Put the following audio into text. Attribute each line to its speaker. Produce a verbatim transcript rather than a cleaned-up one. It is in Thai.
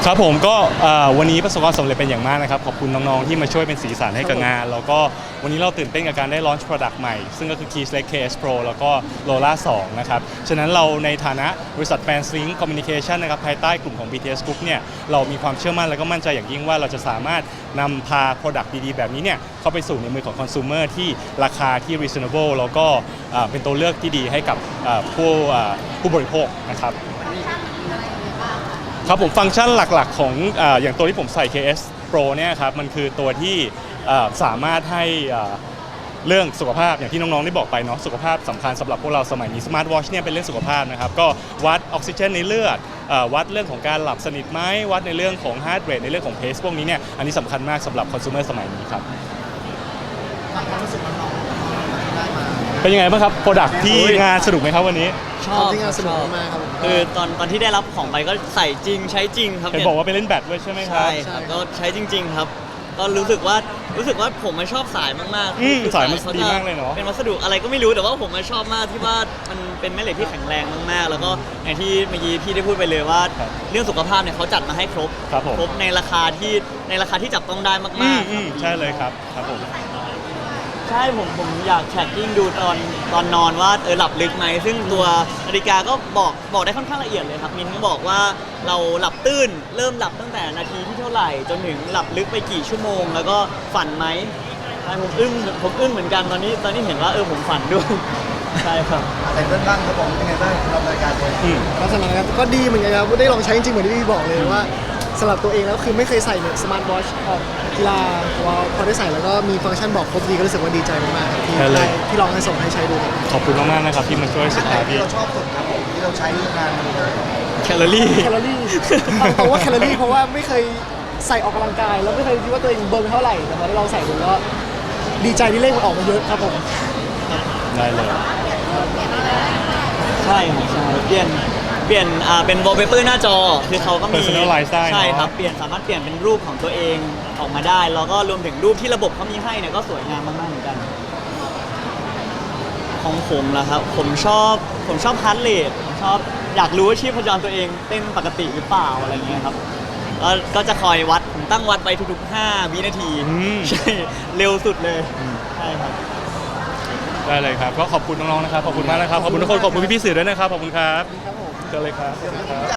Speaker 1: ครับผมก็วันนี้ประสบความสำเร็จเป็นอย่างมากนะครับขอบคุณน้องๆที่มาช่วยเป็นสีสันให้กับงานแล้วก็วันนี้เราตื่นเต้นกับการได้ลอนช์ product ใหม่ซึ่งก็คือ Keyless เค เอส Pro แล้วก็ Lola สองนะครับฉะนั้นเราในฐานะบริษัท FansLink Communication นะครับภายใต้กลุ่มของ บี ที เอส Group เนี่ยเรามีความเชื่อมั่นและก็มั่นใจอย่างยิ่งว่าเราจะสามารถนำพา product ดีๆแบบนี้เนี่ยเข้าไปสู่ในมือของ consumer ที่ราคาที่ reasonable แล้วก็เป็นตัวเลือกที่ดีให้กับผู้ผู้บริโภคนะครับครับผมฟังก์ชันหลักๆของออย่างตัวที่ผมใส่ เค เอส Pro เนี่ยครับมันคือตัวที่สามารถให้เรื่องสุขภาพอย่างที่น้องๆได้บอกไปเนาะสุขภาพสำคัญสำหรับพวกเราสมัยนี้สมาร์ทวอชเนี่ยเป็นเรื่องสุขภาพนะครับก็วัดออกซิเจนในเลือดวัดเรื่องของการหลับสนิทไหมวัดในเรื่องของฮาร์ทเรทในเรื่องของเพสพวกนี้เนี่ยอันนี้สำคัญมากสำหรับคอน sumer สมัยนี้ครับความรู้สึกน้องๆได้มาเป็นยังไงบ้างครับโปรดักที่งานสนุกไหมครับวันนี้
Speaker 2: ชอบที่งานสนุกมากครับคือตอนตอนที่ได้รับของไปก็ใส่จริงใช้จริงครับ
Speaker 1: เห็นบอกว่าไปเล่นแบดด้วยใช่ไหมครับ
Speaker 2: ใช่ครับก็ใช้จริงๆครับก็รู้สึกว่ารู้สึกว่าผมมันชอบสายมาก
Speaker 1: ๆสายมันดีมากเลยเนาะ
Speaker 2: เป็นวัสดุอะไรก็ไม่รู้แต่ว่าผมมันชอบมากที่ว่ามันเป็นแม่เหล็กที่แข็งแรงมากๆแล้วก็อย่างที่เมื่อกี้พี่ได้พูดไปเลยว่าเรื่องสุขภาพเนี่ยเขาจัดมาให้ครบครบในราคาที่ในราคาที่จับต้องได้มาก
Speaker 1: ๆใช่เลยครับครับผม
Speaker 2: ใช่ผมผมอยากแท็กกิ้งดูตอนตอนนอนว่าเออหลับลึกไหมซึ่งตัวนาฬิกาก็บอกบอกได้ค่อนข้างละเอียดเลยครับมินก็บอกว่าเราหลับตื้นเริ่มหลับตั้งแต่นาทีที่เท่าไหร่จนถึงหลับลึกไปกี่ชั่วโมงแล้วก็ฝันไหมใช่ผมอึ้งผมอึ้งเหมือนกันตอนนี้ตอนนี้เห็นว่าเออผมฝันด้วยใช่ครับ
Speaker 3: แต่เรื่องบ้างเขาบอกเป็นไงบ้างเรานาฬิกาตัวนี้
Speaker 4: ก็สำหรับก็ดีเหมือนกันครับได้ลองใช้จริงๆเหมือนที่พี่บอกเลยว่าสำหรับตัวเองแล้วคือไม่เคยใส่เนี่ยสมาร์ทวอชออกกีฬาว่าพอได้ใส่แล้วก็มีฟังก์ชันบอกครบดีก็รู้สึกว่าดีใจมากๆที่ได้ที่ลองให้ส่งให้ใช้ดู
Speaker 1: ขอบคุณมากๆนะครับที่มาช่วยสุดท้าย
Speaker 3: ที่เราชอบสุดครับผมที่เราใช้งาน
Speaker 2: แคลอรี่
Speaker 4: แคลอรี่เพราะว่าแคลอรี่เพราะว่าไม่เคยใส่ออกกำลังกายแล้วไม่เคยคิดว่าตัวเองเบิร์นเท่าไหร่แต่พอได้ลองใส่ดูก็ดีใจที่เลขมันออกมาเยอะครับผม
Speaker 1: ได้เลย
Speaker 2: ใช่ครับใช่เปลี่ยนเปลี่ยนอ่าเป็นวอลเปเปอร์หน้าจอคือเขาก็มีใช่ครับเปลี่ยนสามารถเปลี่ยนเป็นรูปของตัวเองออกมาได้แล้วก็รวมถึงรูปที่ระบบเขามีให้เนี่ยก็สวยงามมากๆเหมือนกันของผมล่ะครับผมชอบผมชอบฮาร์ทเรทผมชอบอยากรู้ว่าชีพจรตัวเองเต้นปกติหรือเปล่าอะไรเงี้ยครับก็ก็จะคอยวัดผมตั้งวัดไว้ทุกๆห้าวินาทีใช่เร็วสุดเลยใช่ครับ
Speaker 1: ได้เลยครับก็ขอบคุณน้องๆนะครับขอบคุณมากนะครับขอบคุณทุกคนขอบคุณพี่ๆสื่อด้วยนะครับขอบคุณครับเจอเลยครับ